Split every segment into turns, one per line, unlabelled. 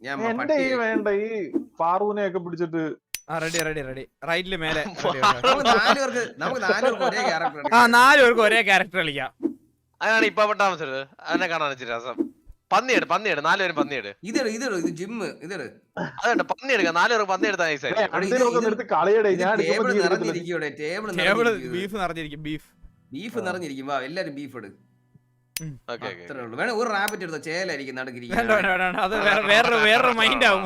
എന്റെ ഈ വേണ്ട ഈ പാറൂനെ ഒക്കെ പിടിച്ചിട്ട്
റെഡി റൈറ്റില് മേലെ.
നമുക്ക് 4 പേർക്ക് ഒരേ ക്യാരക്ടർ.
4 പേർക്ക് ഒരേ ക്യാരക്ടർ കളിക്കാം.
അതാണ് ഇപ്പൊ താമസിച്ചത്. അതിനെ കാണാൻ രസം. പന്നിയെട് 4 പേരും പന്നിയെട്.
ഇത് ജിമ്മ്
അതുണ്ട് പന്നിയെടുക്ക 4 പേർക്ക് പന്നിയെടുത്താ
ടേബിള് ബീഫ് നിറഞ്ഞിരിക്കും.
ബീഫ് നിറഞ്ഞിരിക്കും. വാ എല്ലാരും ബീഫ് എടു. അത്രേ ഉള്ളൂ. വേണേ ഒരു റാബിറ്റ് എടുത്തോ. ചേലായിരിക്കും നടുക്കിരിക്കും.
അത് വേറൊരു മൈൻഡ് ആവും.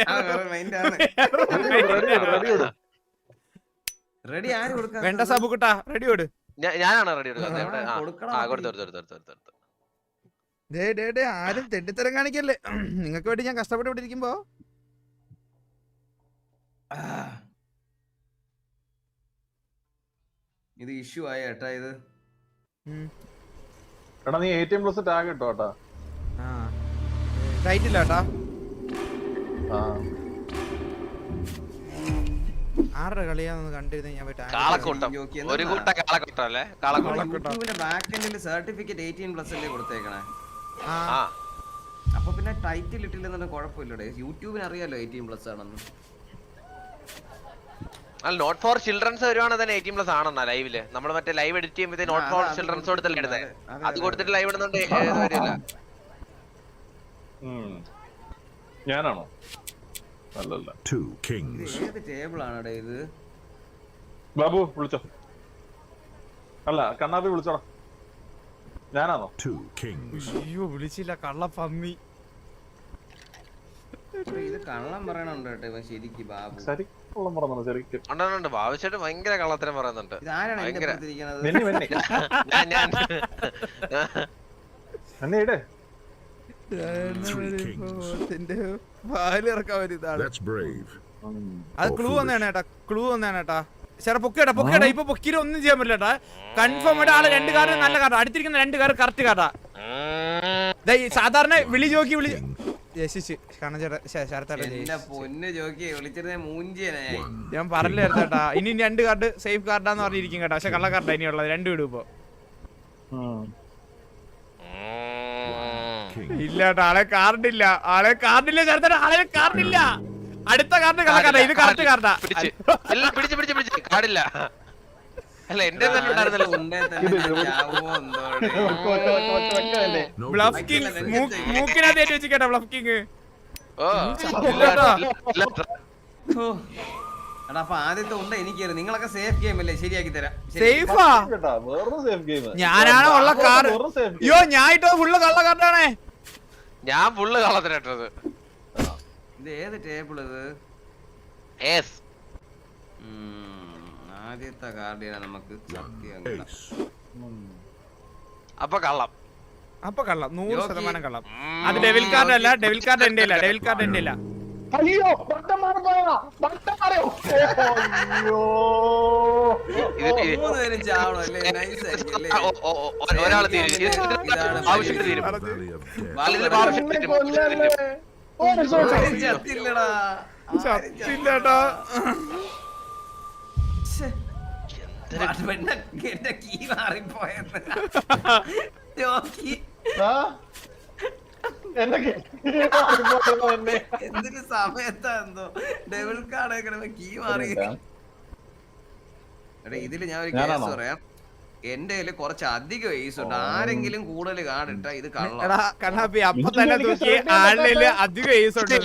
റെഡി ആര് കൊടുക്കാം?
വേണ്ട സാബുക്കുട്ടാ റെഡി കൊടു.
ഞാനാണ് റെഡി കൊടുക്കുന്നത്.
ആരും തെണ്ടിത്തരം കാണിക്കല്ലേ. നിങ്ങൾക്ക് വേണ്ടി ഞാൻ കഷ്ടപ്പെട്ടിരിക്കുമ്പോ
ഇത് ഇഷ്യൂ ആയ ഏട്ടാ. ഇത്
എടാ നീ 18+ ടാഗ് ഇട്ടോ ഏട്ടാ.
റൈറ്റ് ഇല്ല ഏട്ടാ. ആരുടെ കളിയാന്ന് കണ്ടിരുന്ന ഞാൻ
സർട്ടിഫിക്കറ്റ് 18+ അല്ലേ കൊടുത്തേക്കണേ. അപ്പൊ പിന്നെ ടൈറ്റിൽ ഇട്ടില്ലെന്നു കുഴപ്പമില്ലടേ. യൂട്യൂബിന് അറിയാലോ 18+ ആണെന്ന്.
നോട്ട് ഫോർ ചിൽഡ്രൻസ് വരുവാണെങ്കിൽ തന്നെ 18+ ആണെന്നാ ലൈവില്. നമ്മൾ മറ്റേ ലൈവ് എഡിറ്റ് ചെയ്യുമ്പോൾ നോട്ട് ഫോർ ചിൽഡ്രൻസ് കൊടുത്തല്ലേ ഇടുന്നത്. അത് കൊടുത്തിട്ട് ലൈവ് ഇടുന്നുണ്ട് വരില്ല.
ഞാനാണോ? അല്ലല്ല.
ഏത് ടേബിൾ ആണടേ ഇത്?
ബാബു വിളിച്ചോ. അല്ല കണ്ണാപ്പി വിളിച്ചോടാ. ഞാനാണോ?
അയ്യോ വിളിച്ചില്ല കള്ളപ്പന്നി.
ഇത് കള്ളം പറയണുണ്ട് കേട്ടോ ശരിക്ക് ബാബു.
ശരി കള്ളം പറഞ്ഞു ശരിക്കും.
ഉണ്ട് ബാബുശേട്ട് ഭയങ്കര കള്ളത്തരം പറയുന്നുണ്ട്.
ഇതാരാണ്
അത് ക്ലൂ വന്നേട്ടാ. ചേട്ടാ പൊക്കേട്ടാ ഇപ്പൊ പൊക്കിയിൽ ഒന്നും ചെയ്യാൻ പറ്റില്ല. കൺഫേം ആയിട്ട് ആള് 2 കാർഡ് നല്ല കാർഡ് അടുത്തിരിക്കുന്ന 2 കാർഡ് കറക്റ്റ് കാർഡാ. സാധാരണ വിളി ജോക്കി ഞാൻ പറഞ്ഞില്ല ചേട്ടാ. ഇനി 2 കാർഡ് സേഫ് കാർഡാന്ന് പറഞ്ഞിരിക്കും കേട്ടോ. പക്ഷെ കള്ള കാർഡാ ഇനിയുള്ളത്. 2 വിടും ഇപ്പൊ. ഇല്ല കേട്ടോ ആളെ കാർഡില്ല ചേർത്താ. ആളെ കാർഡില്ല. അടുത്ത കാർഡ് കള്ള കാർഡാ. ഇത് കറക്റ്റ് കാർഡാ.
പിടിച്ച് കാർഡില്ല. അല്ല എന്റെ തന്നെ ഉണ്ടായിരുന്നല്ലോ.
ബ്ലഫ് കിങ് മൂക്കിനകത്ത് ഏറ്റു വെച്ച് കേട്ടോ. Bluff king.
അപ്പൊ ആദ്യത്തെ ഉണ്ട് എനിക്ക്. നിങ്ങളൊക്കെ സേഫ് ഗെയിം അല്ലേ? ശരിയാക്കി തരാം.
സേഫാ ഞാനാണ് ഉള്ള കാർഡ്. അയ്യോ ഞാൻ ഇട്ടത് ഫുള്ള് കള്ള കാർഡാണേ.
ഞാൻ ഫുള്ള് കള്ളത്തിനിട്ടത്.
ഇത് ഏത് ടേബിൾ ഇത്? ആദ്യത്തെ കാർഡിനാ നമുക്ക് സത്യം.
അപ്പൊ കള്ളം
100% കള്ളം. അത് ഡെവിൽ കാർഡ് അല്ല. ഡെവിൽ കാർഡ് എന്റെ ഇല്ല.
അയ്യോ
ഒരാള് തീരും.
ചത്തില്ലടാ.
എന്റെ കീ മാറിപ്പോയെന്ന്. എന്തൊരു സമയത്താ എന്തോ ഡെവിൾ കാർഡ് കീ മാറി. ഇതില് ഞാൻ ഒരു കേസ് പറയാം. എന്റെ കയ്യില് കുറച്ച് അധികം ഏസ് ഉണ്ട്. ആരെങ്കിലും കൂടുതൽ കാർഡ് ഇട്ടാ ഇത്
കണ്ണാപ്പി അപ്പൊ തന്നെ നോക്കി ആളില് അധികം ഏസ് ഉണ്ട്.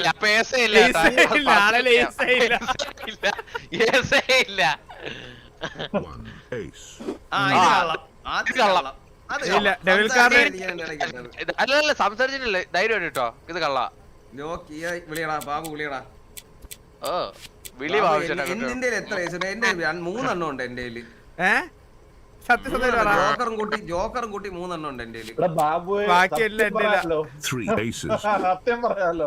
അല്ല സംസാരിച്ചിട്ടില്ലേ ധൈര്യം കേട്ടോ. ഇത് കള്ള
വിളിയടാ ബാബു വിളിയടാ.
വിളി
എന്തിന്റെ എത്ര ഏസ് ഉണ്ട്? എന്റെ 3 എണ്ണം ഉണ്ട് എന്റെ കയ്യില്. ജോക്കറും കൂട്ടി 3 എണ്ണം ഉണ്ട് എന്റെ കയ്യില്.
സത്യം പറയാലോ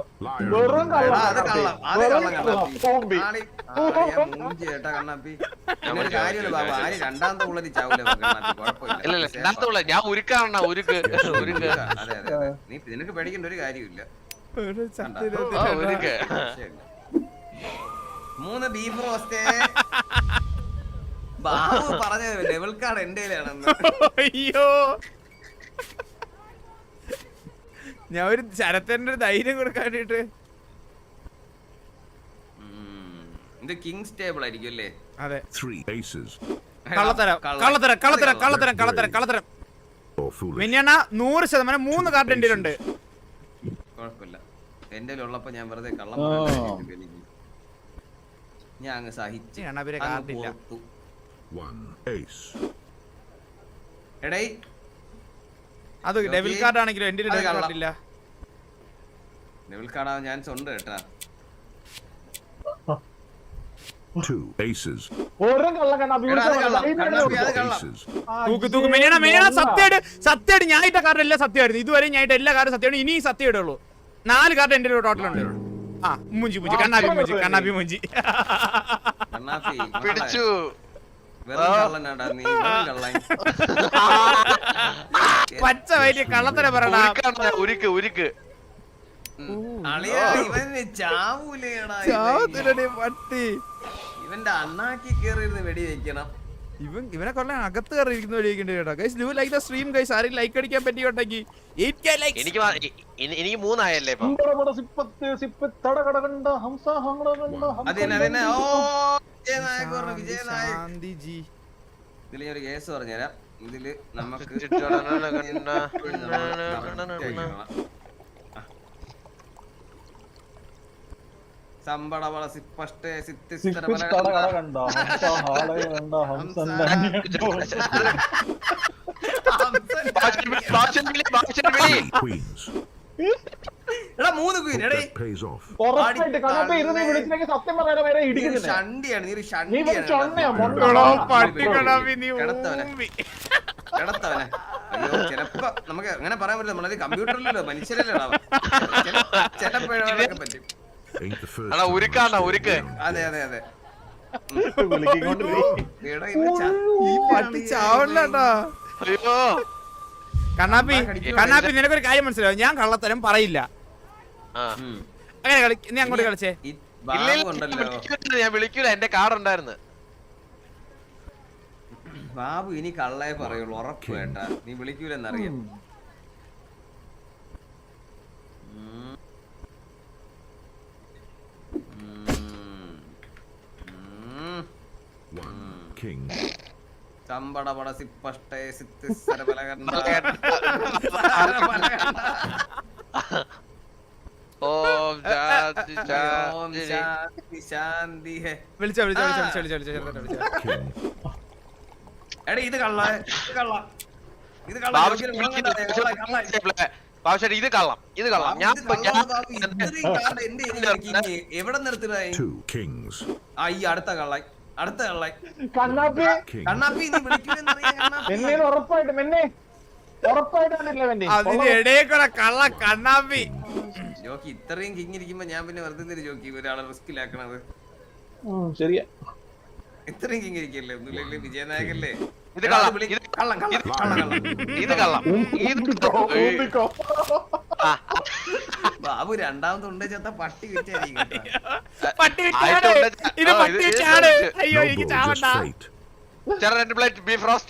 ചേട്ടാ കണ്ണാപ്പി കാര്യമല്ല ബാബു. ആര് രണ്ടാമത്തെ ഉള്ളത് ചാവൂല കുഴപ്പമില്ല.
ഞാൻ ഉരുക്കാണ് ഉരുക്ക്.
അതെ നീ നിനക്ക് പേടിക്കേണ്ട ഒരു കാര്യമില്ല. 3 ബീഫ് റോസ്റ്റേ. ബാബു പറഞ്ഞത് ലെവൽ കാർഡ് എന്റെ കയ്യിലാണെന്ന്.
അയ്യോ ഞാൻ ഒരു ശരത്തേന്റെ ഒരു ധൈര്യം കൊടുക്കാൻ വേണ്ടിട്ട്
ഇത് കിങ്സ് ടേബിൾ ആയിരിക്കും അല്ലേ?
അതെ
3 aces.
കള്ളത്തരം
Or foolish.
മിനിയണ്ണ 100% 3 കാർഡ് എൻ്റെ ഉണ്ട്.
കുഴപ്പമില്ല, എന്റെ ഉള്ളപ്പോ ഞാൻ വെറുതെ കള്ളം ഞാൻ അങ്ങ് സഹിച്ചു.
കണ്ണാപ്പിയുടെ കാർഡില്ല.
1 ace.
എടേ
അത് ഡെവിൽ കാർഡ് ആണെങ്കിലും എൻ്റെ ഡെവിൽ കാർഡ് ഇല്ല.
ഡെവിൽ കാർഡാ ഞാൻ സ്വന്തം കേട്ടാ.
2 aces.
ഓരോ കള്ള കണ്ണാപ്പി
എടാ, അത് കള്ളം. കണ്ണാപ്പി, അത് കള്ളം.
Aces.
തൂക്ക് മിനിയണ്ണ സത്യമായിട്ട് ഞാൻ ഇട്ട കാർഡ് എല്ലാം സത്യമായിരുന്നു. ഇതുവരെ ഞാൻ ഇട്ട എല്ലാ കാർഡും സത്യമാണ്. ഇനി സത്യം ഇടുള്ളൂ. 4 കാർഡ് എൻ്റെ ടോട്ടൽ ഉണ്ട്. ആ മുഞ്ചി കണ്ണാപ്പി മുഞ്ചി
കണ്ണാപ്പി
പിടിച്ചു.
വെറും കള്ളനാടാ നീ, വെറും കള്ളൻ.
പച്ച വലിയ കള്ളത്തരം പറയടാ.
ഉരുക്ക്
അളിയാ, ഇവന് ചാവൂലേടാ
പട്ടി.
ഇവന്റെ അണ്ണാക്കി കേറിയിരുന്ന് വെടി വെക്കണം.
ഇവനെ കൊല്ലാൻ അകത്ത് കയറിയിരിക്കുന്ന വഴിയൊക്കെ കേട്ടോ. Guys do like the stream guys. ആരും ലൈക്ക് അടിക്കാൻ പറ്റിയോട്ടെങ്കിൽ 8k ലൈക്സ്.
എനിക്ക് 3 ആയല്ലേ ഇപ്പൊ.
അതന്നെ. ഓ വിജയനായക് പറഞ്ഞു, വിജയനായക്. ഇതില് ഞാൻ ഒരു കേസ് പറഞ്ഞുതരാം. ഇതില് നമുക്ക് സംബടവള സിപ്പഷ്ടേ സിത്തിസ്തര
Queens.
എടാ 3 ക്വീൻ. എടേ
Pays off.
സത്യം പറയാൻ വരെ ഇടിക്കുന്നില്ല.
ഷണ്ടിയാണ്, നീ ഒരു
നീ ഒരു ചൊണ്ണയാ,
കിടത്തവനെ. അയ്യോ, ചിലപ്പോ നമുക്ക് അങ്ങനെ പറയാൻ പറ്റില്ല. നമ്മളത് കമ്പ്യൂട്ടറിലല്ലോ, മനുഷ്യരല്ലോ. ചിലപ്പോഴൊക്കെ പറ്റും.
Ain't the first.
ഉരുക്ക്.
അതെ അതെ അതെ.
പട്ടി ചാവണ്ടോ.
അയ്യോ
കണ്ണാപ്പി നിനക്കൊരു കാര്യം മനസ്സിലാവും. ഞാൻ കള്ളത്തരം പറയില്ല. അങ്ങനെ നീ അങ്ങോട്ട് കളിച്ചേ.
ഞാൻ വിളിക്കൂല, എന്റെ കാർഡ് ഉണ്ടായിരുന്നു.
ബാബു ഇനി കള്ളേ പറയുള്ളൂ, ഉറപ്പ് വേണ്ട. നീ വിളിക്കൂലെന്നറിയാം.
King.
ചമ്പടപട സിപ്പഷ്ടേ സിത്തിസ്തര ബലകണ്ട.
ഓം
ശാന്തി ഹേ.
വിളിച്ചോ.
എടാ ഇത് കള്ള, ഇത് കള്ള, ഇത് കള്ള.
ഇത് കള്ളം. ഞാൻ
എവിടെ നിർത്തുക?
2 kings.
ഈ അടുത്ത കള്ളായി, അടുത്ത കള്ളായി.
കണ്ണാപ്പി
കണ്ണാപ്പി നീ വിളിക്കൂലെന്നറിയാം.
ഉറപ്പായിട്ടാണ്
അതിനിടയിൽ കള്ള കണ്ണാപ്പി.
ജോക്കി ഇത്രയും കിങ്ങിരിക്കുമ്പോ ഞാൻ പിന്നെ വെറുതെ ജോക്കി ഒരാളെ റിസ്കിലാക്കണത്.
ശരിയാ,
ഇത്രയും കിങ്ങിരിക്കല്ലേ. ഒന്നുമില്ലേ വിജയനായകല്ലേ.
ഇത് കള്ളം.
ബാബു രണ്ടാമത് ഉണ്ട് ചത്ത പട്ടി വിറ്റായിരിക്കും.
അയ്യോ എനിക്ക് ചാവണ്ട.
Fate.
Plate beef roast.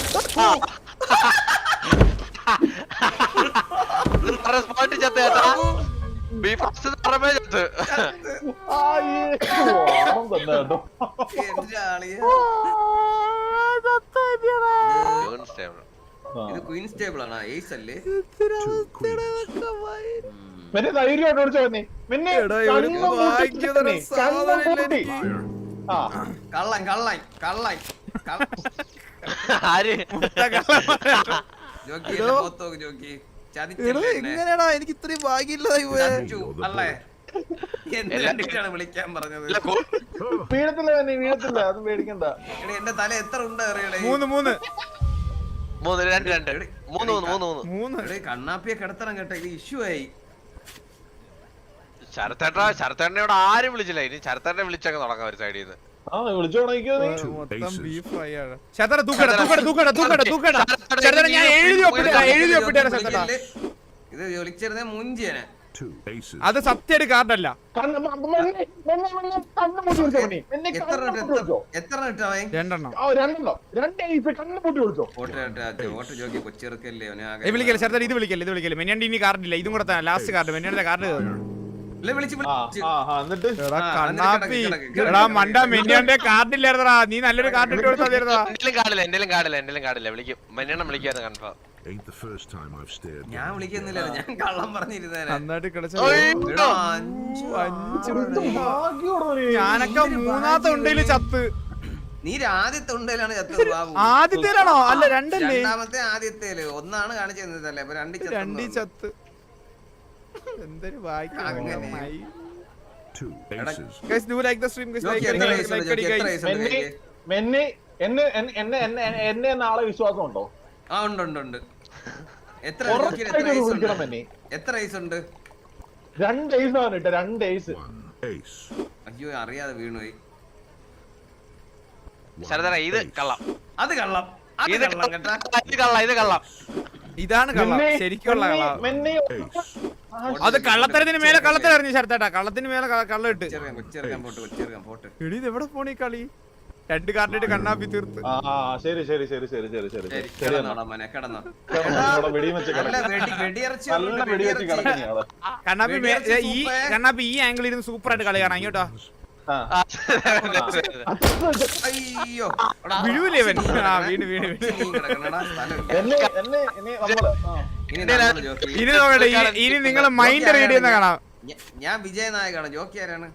Beef roast ചത്ത്.
എന്റെ ആളിയാ. ഇത് ക്വീൻസ് ടേബിൾ ആണ്, ഏസ് അല്ലേ?
2 queens.
ധൈര്യമായിട്ട് ഓടിച്ചോ.
കള്ളൻ കള്ളൻ കള്ളൻ.
ആര്
ജോക്കി ജോക്കി
എങ്ങനെയാടാ എനിക്ക് ഇത്രയും ഭാഗ്യമില്ലാതായി പോയെ.
അല്ലേ എന്തിനാണ് വിളിക്കാൻ പറഞ്ഞത്?
വീഴത്തില്ല, വീഴത്തില്ല, അത് പേടിക്കണ്ട.
എന്റെ തല എത്ര ഉണ്ട് അറിയണേ?
3
കണ്ണാപ്പിയെ കിടത്തണം കേട്ടോ, ഇത് ഇഷ്യൂ ആയി.
ശരത്തേട്ടനെ ഇവിടെ ആരും വിളിച്ചില്ല. ഇനി ശരത്തേട്ടനെ വിളിച്ചൊക്കെ തുടങ്ങാം ഒരു സൈഡിൽ നിന്ന്.
വിളിച്ചു തുടങ്ങിക്കോ നീ.
ഇത് വിളിച്ചിരുന്ന മുഞ്ചിയനെ.
അത് സത്യ കാർഡല്ല.
എത്ര ഇട്ടവൻ?
2 വിളിക്കല്ലേ ചേർത്ത. ഇത് വിളിക്കല്ലേ. മെന്നിന്റെ ഇനി കാർഡില്ല. ഇതും കൂടെ ലാസ്റ്റ് കാർഡ്. മെന്നിന്റെ കാർഡ്
ഇല്ല, വിളിച്ച് വിളിച്ച്.
എന്നിട്ട്
എടാ
ആ,
കണ്ണാപ്പി
കിടക്ക്.
എടാ മണ്ട മെന്നിയോന്റെ കാർഡില്ലായിരുന്നടാ നീ നല്ലൊരു കാർഡ് ഇട്ട് കൊടുത്താ
എന്തെങ്കിലും കാടില്ല വിളിക്കും മഞ്ഞെണ്ണം വിളിക്കാന്ന് confirm.
Ain't the first time I've stared.
ഞാൻ വിളിക്കുന്നില്ല, ഞാൻ കള്ളം പറഞ്ഞിരുന്നേനെ.
നന്നായിട്ട് കളിച്ച
എടാ, അഞ്ച്
ഭാഗ്യോടോ നീ.
ഞാനൊക്കെ മൂന്നാമത്തെ ഉണ്ടയില് ചത്ത്.
നീ ആദ്യത്തെ ഉണ്ടയിലാണ് ചത്തത് ബാബു.
ആദ്യത്തേലാണോ? അല്ല രണ്ടല്ലേ?
രണ്ടാമത്തെ ആദ്യത്തേല് ഒന്നാണ് കാണിച്ചു തന്നതല്ലേ, അപ്പൊ
രണ്ടീ ചത്ത്. എന്തൊരു
അങ്ങനെ.
Two aces.
Guys, do like the stream, guys. Like
എത്ര
it,
വയസ്സുണ്ട്?
like it,
എത്ര
guys.
വയസ്സുണ്ട്
മെന്നി
കൈക്ക്?
മെന്നി എന്നെ നാളെ വിശ്വാസം ഉണ്ടോ?
ആ ഉണ്ട് ഉണ്ട് ഉണ്ട്. എത്ര
ഉറപ്പായിട്ടും ഇത് വിളിക്കണം മെന്നി.
എത്ര വയസ്സുണ്ട്?
2 ace ആണ് ഇട്ട, 2 ace.
One ace.
അയ്യോ അറിയാതെ വീണുപോയി.
ശരതര ഇത് കള്ളം,
അത് കള്ളം, അത്
ഇത്
കള്ളം കേട്ടാ.
ഇത് കള്ളം.
ഇതാണ് കള്ളം,
മെന്നി,
ശരിക്കുള്ള കള്ളം.
മെന്നി
Ace.
അത് കള്ളത്തരത്തിന് മേലെ കള്ളത്തരറിഞ്ഞു ശരത്തേട്ടാ, കള്ളത്തിന് മേലെ കള്ളം ഇട്ട്.
കൊച്ചിറക്കാൻ പോട്ട്, കൊച്ചിറക്കാൻ പോട്ട്.
എടി ഇത് എവിടെ പോണീ കളി? 2 കാർഡിട്ട് കണ്ണാപ്പി തീർത്ത്.
ശരി
കിടന്നോടാ മോനെ, കിടന്നോ.
വെടിയും വെച്ച്
നല്ല വെടിയിറച്ചി
നല്ല വെടി വെച്ച് കിടക്കുന്നേ ആള്.
കണ്ണാപ്പി
വെടിയറച്ച്
ഈ
സൂപ്പർ.
കണ്ണാപ്പി ഈ ആംഗിളിൽ ഇരുന്ന് സൂപ്പർ ആയിട്ട് കളി കാണാം കേട്ടോ.
അയ്യോ
വീഴൂലേ ഇവൻ? ആ വീണ്.
കിടക്കണടാ, സ്ഥലമില്ല.
ഇനി നമ്മള്
ഇനി നമ്മള് ജോക്കി.
ഇനി നോക്കട്ടെ, ഇനി നിങ്ങൾ മൈൻഡ് റീഡ് ചെയ്യുന്ന കാണാം.
ഞാൻ വിജയനായകാണ്. ജോക്കി ആരാണ്?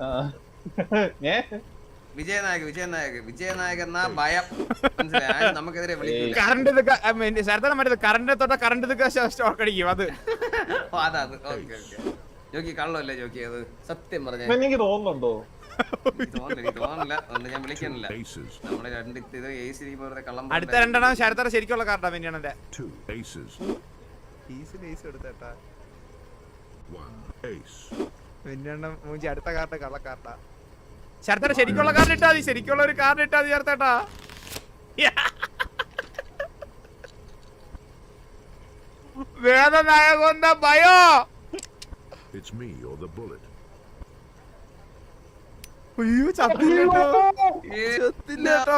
വിജയനായക് എന്നാ ഭയം. മനസ്സിലായി? നമുക്കെതിരെ വിളിക്കില്ല.
കറണ്ട് ശരത്തനം മറ്റേ കറണ്ട് തൊട്ട കറണ്ട് സ്റ്റോക്ക് അടിക്കും അത്.
അതാ ഓക്കെ. Jockey കള്ളല്ലേ jockey? അത് സത്യം പറഞ്ഞ
എനിക്ക് തോന്നുന്നുണ്ടോ?
തോന്നില്ല. അതുകൊണ്ട് ഞാൻ വിളിക്കുന്നില്ല.
Aces.
നമ്മള് രണ്ട് ഇത് AC വെറുതെ കള്ളം
അടുത്ത രണ്ടെണ്ണം ശരത്തറ ശരിക്കുള്ള കാർഡാ പിന്നെയാണ്.
Two aces.
എടുത്തേട്ടാ
One ace.
പിന്നെണ്ണം മൂഞ്ചി അടുത്ത കാർഡ് കള്ള കാർഡാ. ശരത്തറ ശരിക്കുള്ള കാർഡ് ഇട്ടാ മതി, ശരിക്കുള്ള ഒരു കാർഡ് ഇട്ടാ മതി ചേർത്തേട്ടാ. വേദനായകൊന്ന ഭയോ.
It's me or the bullet.
അയ്യോ ചത്തില്ലേട്ടോ, ചത്തില്ലേട്ടോ.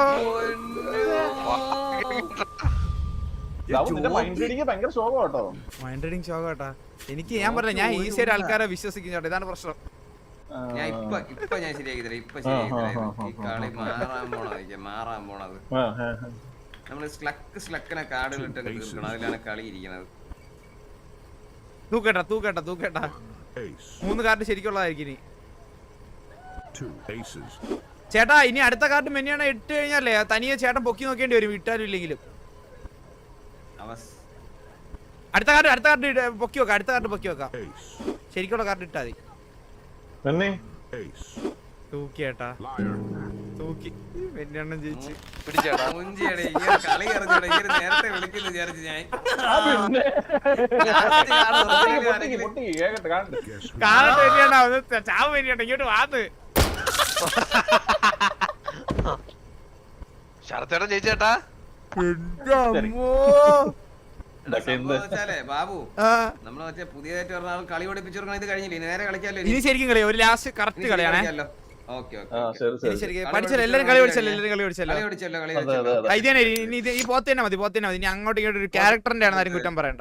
നിന്റെ മൈൻഡ് റീഡിങ് ഭയങ്കര ശോകം കേട്ടോ.
മൈൻഡ് റീഡിങ് ഷോക്ക് കേട്ടാ. എനിക്ക് ഞാൻ പറഞ്ഞ ഞാൻ ഈസിയായിട്ട് ആൾക്കാരെ വിശ്വസിക്കും ചേട്ടാ, ഇതാണ് പ്രശ്നം.
ഞാൻ ഇപ്പൊ ഞാൻ ശരിയാക്കി തരാം. ഇപ്പൊ ശരിയാക്കി തരാം. ഈ കളി മാറാൻ പോണത്. നമ്മള് സ്ലക്കിനെ കാർഡുകളിട്ട് തീർക്കണം. അതിലാണ് കളി ഇരിക്കുന്നത്.
തൂക്കേട്ടാ.
Ace.
3 കാർഡ് ശരിക്കുള്ളതായിരിക്കും ഇനി.
Two aces.
ചേട്ടാ ഇനി അടുത്ത കാർഡ് മെന്നിയാണ് ഇട്ട് കഴിഞ്ഞാലേ തനിയെ ചേട്ടൻ പൊക്കി നോക്കേണ്ടി വരും, ഇട്ടാലും ഇല്ലെങ്കിലും. അടുത്ത കാർഡ് പൊക്കി വെക്കാം, അടുത്ത കാർഡ് പൊക്കി വെക്കാം.
Ace.
ശരിക്കുള്ള കാർഡ് ഇട്ടാ മതി.
മെന്നി
Ace.
തൂക്കിയേട്ടാ,
Liar.
തൂക്കി. മെന്നിയണ്ണം ജയിച്ച്.
പിടിച്ചേട്ടാ.
മുഞ്ചിയുടെ ഇങ്ങനെ കളി അറിഞ്ഞൂടെ? ഇങ്ങനെ നേരത്തെ വിളിക്കുന്നു വിചാരിച്ചു ഞാൻ.
പൊട്ടി കേക്കട്ടെ കാണട്ടെ.
Guess who?
കാണട്ടെ മെന്നിയണ്ണാ, ഒന്ന് ചാവ് മെന്നിയണ്ണ ഇങ്ങോട്ട് വാന്ന്.
ശരത്തേട്ടൻ ജയിച്ചേട്ടാ.
ബാബു നമ്മള് മറ്റേ പുതിയതായിട്ട് പറഞ്ഞ ആൾ കളി പഠിപ്പിച്ചു കൊടുക്കണം. ഇത് കഴിഞ്ഞില്ലേ? നേരെ കളിക്കാമല്ലോ.
ഇനി ശരിക്കും കളിയാ, ഒരു ലാസ്റ്റ് കറക്റ്റ് കളിയാണേ. പഠിച്ചല്ലോ എല്ലാരും, കളി പഠിച്ചല്ലോ. ഇനി ഈ പോത്ത് തന്നെ മതി. ഇനി അങ്ങോട്ടും ഇങ്ങോട്ടും ഒരു ക്യാരക്ടറിന്റെ ആണ്, ആരും കുറ്റം പറയണ്ട.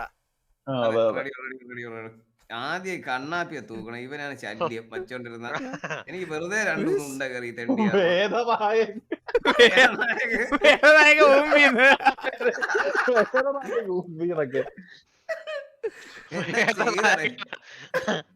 ആദ്യം കണ്ണാപ്പിയെ തൂക്കണം. ഇവനാണ് ശല്യം വച്ചോണ്ടിരുന്ന. എനിക്ക് വെറുതെ 2 ഉണ്ട കയറി തെണ്ടിയ
ഊമ്പിന്നൊക്കെ.